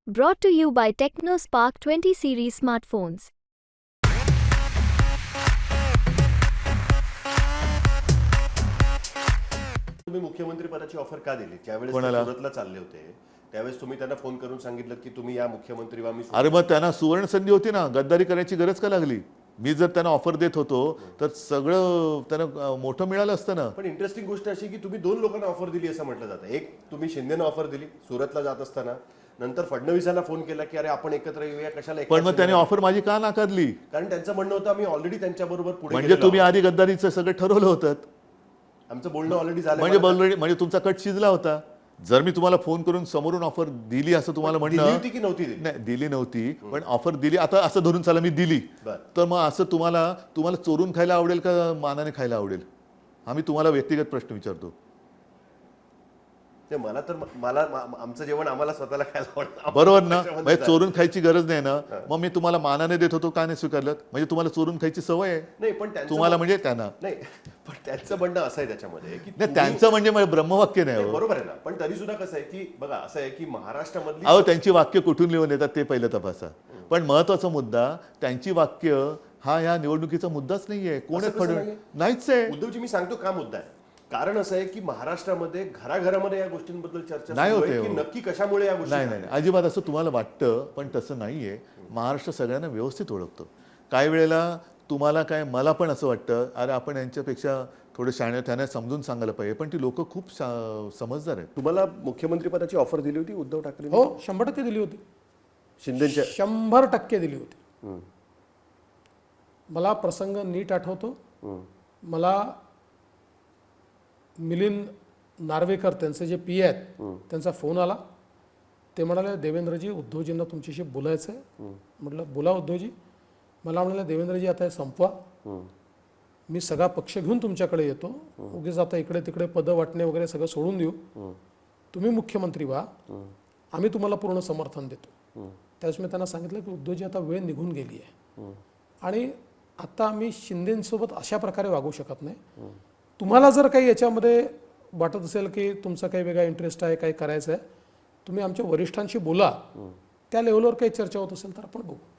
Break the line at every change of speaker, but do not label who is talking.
Brought to you by TechnoSpark 20 series smartphones.
तुम्ही मुख्यमंत्री पदाची ऑफर का दिली? ज्यावेळेस ते
कोणाला?
सुरतला चालले होते त्यावेळेस तुम्ही त्यांना फोन करून सांगितलं की तुम्ही या मुख्यमंत्री व्हा. मी
अरे मग त्यांना सुवर्ण संधी होती ना, गद्दारी करायची गरज का लागली? मी जर त्यांना ऑफर देत होतो तर सगळं त्यांना मोठं मिळालं असतं ना.
पण इंटरेस्टिंग गोष्ट अशी की तुम्ही दोन लोकांना ऑफर दिली असं म्हटलं जातं. एक तुम्ही शिंदेना ऑफर दिली सुरतला जात असताना, नंतर फडणवीसांना फोन केला की अरे आपण एकत्र येऊया, कशाला एकटा
पण मग त्याने
शिंदेना?
ऑफर माझी का नाकारली?
कारण त्यांचं म्हणणं होतं आम्ही ऑलरेडी त्यांच्याबरोबर पुढे
म्हणजे
गेलेलो
तुम्ही
आहोत.
आधी गद्दारीचं सगळं ठरवलं होतं.
आमचं बोलणं ऑलरेडी झालं.
म्हणजे ऑलरेडी म्हणजे तुमचा कट शिजला होता. जर मी तुम्हाला फोन करून समोरून ऑफर दिली असं तुम्हाला
दिली
म्हणणं,
होती की नव्हती दिली?
नाही दिली नव्हती, पण ऑफर दिली. आता असं धरून चला मी दिली,
बरं.
तर मग असं तुम्हाला चोरून खायला आवडेल का मानाने खायला आवडेल? आम्ही तुम्हाला व्यक्तिगत प्रश्न विचारतो.
ते मला तर आमचं जेवण आम्हाला स्वतःला खायला आवडतं.
बरोबर ना?
त्याच्यामध्ये
म्हणजे
काय?
चोरून खायची गरज नाही ना. मग मी तुम्हाला मानाने देत होतो का नाही स्वीकारलं? म्हणजे तुम्हाला चोरून खायची सवय आहे
नाही पण त्यांचं
तुम्हाला, म्हणजे त्यांना
नाही, पण त्यांचं म्हणणं असं आहे त्याच्यामध्ये की
नाही.
तुम्ही-
त्यांचं म्हणजे ब्रह्मवाक्य नाही
नाही,
हो.
बरोबर आहे ना. पण तरी सुद्धा कसं आहे की बघा असं आहे की महाराष्ट्रामधली
अहो त्यांची वाक्य कुठून लिहून येतात ते पहिलं तपासा. पण महत्वाचा मुद्दा, त्यांची वाक्य हा या निवडणुकीचा मुद्दाच नाहीये. कोण
असं
आहे
कसं
फडणवीस?
नाहीये?
नाहीच आहे.
उद्धवजी मी सांगतो का मुद्दा आहे. कारण असं आहे की महाराष्ट्रामध्ये घराघरामध्ये या गोष्टींबद्दल चर्चा
नाही
सुरू आहे
होते
की
हो.
नक्की कशामुळे या गोष्टी
नाही नाही
झाल्या.
अजिबात असं तुम्हाला वाटतं, पण तसं नाहीये. महाराष्ट्र सगळ्यांना व्यवस्थित ओळखतो. काही वेळेला तुम्हाला काय, मला पण असं वाटतं अरे आपण यांच्यापेक्षा थोडं शाणे, त्यांना समजून सांगायला पाहिजे. पण ती लोक खूप समजदार आहेत.
तुम्हाला मुख्यमंत्री पदाची ऑफर दिली होती उद्धव ठाकरे?
हो 100% दिली होती.
शिंदेच्या
100% दिली होती. मला प्रसंग नीट आठवतो. मला मिलिंद नार्वेकर त्यांचे जे पी आहेत त्यांचा फोन आला. ते म्हणाले देवेंद्रजी उद्धवजींना तुमच्याशी बोलायचं आहे. म्हटलं बोला उद्धवजी. मला म्हणाले देवेंद्रजी आता हे संपवा, मी सगळा पक्ष घेऊन तुमच्याकडे येतो, उगीच आता इकडे तिकडे पदं वाटणे वगैरे सगळं सोडून देऊ, तुम्ही मुख्यमंत्री व्हा, आम्ही तुम्हाला पूर्ण समर्थन देतो. त्यावेळेस मी त्यांना सांगितलं की उद्धवजी आता वेळ निघून गेली आहे आणि आता आम्ही शिंदेसोबत अशा प्रकारे वागू शकत नाही. तुम्हाला जर काही याच्यामध्ये वाटत असेल की तुमचा काही वेगळा इंटरेस्ट आहे, काही करायचं आहे, तुम्ही आमच्या वरिष्ठांशी बोला, त्या लेवलवर काही चर्चा होत असेल तर आपण बघू.